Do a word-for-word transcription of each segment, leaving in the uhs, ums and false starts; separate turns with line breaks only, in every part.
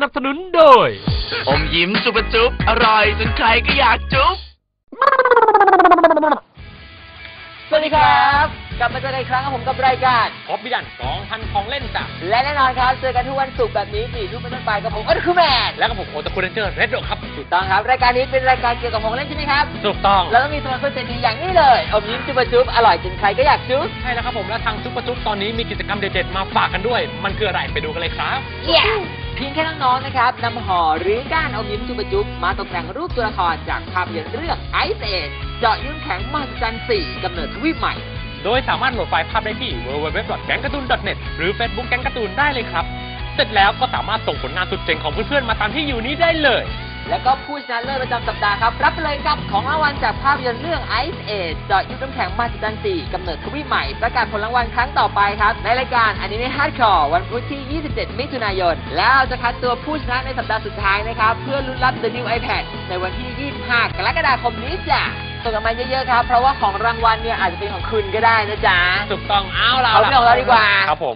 นับสนุนโดย
อมยิ้มจุบจุ๊บอร่อยจนใครก็อยากจุ๊บ
สวัสดีครับกลับมาเจอกันอีกครั้งกับผมกับรายการ
พบบิดันสองพันของเล่นจ้ะ
และแน่นอนครับเจอกันทุกวันศุกร์แบบนี้สี่ทุ่มเป็นต้นไปกับผมอัลคูแมน
และกับผมโอตาคุเรนเจอร์เรดโดครับ
ถูกต้องครับรายการนี้เป็นรายการเกี่ยวกับของเล่นใช่ไหมครับ
ถูกต้อง
แล้วก็มีสปอนเซอร์ใจดีอย่างนี้เลยอมยิ้มจุ๊บจุ๊บอร่อยจนใครก็อยากจุ๊บ
ใช่แล้วครับผมและทางจุ๊บจุ๊บตอนนี้มีกิจกรรมเด็ดๆมาฝากกันด้วยมันคืออะไรไปดูกันเลยครับ
เย้เพียงแค่น้องๆนะครับนำห่อหรือก้านอมยิ้มจุ๊บจุ๊บมาตกแต่งรูปตัวละครจากภาพยนตร์เรื่องไอซ์เอจเจาะยื่นแข็งมหัศจรรย์สี่กำเนิดทวีปใหม่
โดยสามารถโหลดไฟล์ภาพได้ที่ ดับเบิลยู ดับเบิลยู ดับเบิลยู ดอท แก๊งการ์ตูน ดอท เน็ต หรือ Facebook แก๊งการ์ตูนได้เลยครับเสร็จแล้วก็สามารถส่งผลงานสุดเจ๋งของเพื่อนๆมาตามที่อยู่นี้ได้เลย
แล้วก็ผู้ชนะเลิศประจำสัปดาห์ครับรับไปเลยกับของรางวัลจากภาพยนตร์เรื่อง Ice Age เจาะยุทธน้ำแข็งมหัศจรรย์สี่กำเนิดทวีปใหม่ประกาศผลรางวัลครั้งต่อไปครับในรายการอนิเมะฮาร์ดคอร์วันพุธที่ยี่สิบเจ็ดมิถุนายนแล้วเราจะคัดตัวผู้ชนะในสัปดาห์สุดท้ายนะครับเพื่อลุ้นรับ The New iPad ในวันที่ยี่สิบห้ากรกฎาคมนี้จ้ะส่งกันมาเยอะๆครับเพราะว่าของรางวัลเนี่ยอาจจะเป็นของคุณก็ได้นะจ๊ะ
ถูกต้องเอาเรา
เอาเรื่องของเราดีกว่า
ครับผม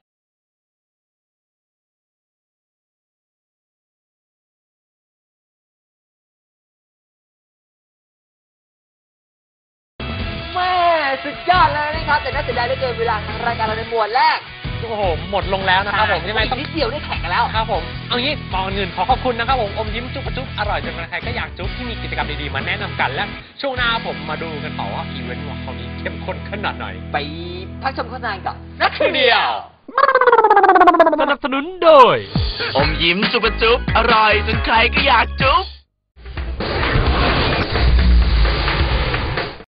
แม่สุดยอดเลยนะครับแต่น่าเสียดายเหลือเกินเวลาทางรายการเราในหมวดแรก
โอ้โหหมดลงแล้วนะครับผม
ยังไงต้องนิดเดียวได้แข่งกันแล้ว
ครับผมเอางี้ก่อนอื่นขอขอบคุณนะครับผมอมยิ้มจุ๊บจุ๊บอร่อยจนใครก็อยากจุ๊บที่มีกิจกรรมดีๆมาแนะนำกันและช่วงหน้าผมมาดูกันต่อว่าอีเวนต์ของเขานี้เข้มข้นขนาดไหน
ไปพักชมโฆษณาก่อน
นักเดียวสนับสนุนโดย
อมยิ้มจุ๊บจุ๊บอร่อยจนใครก็อยากจุ๊บ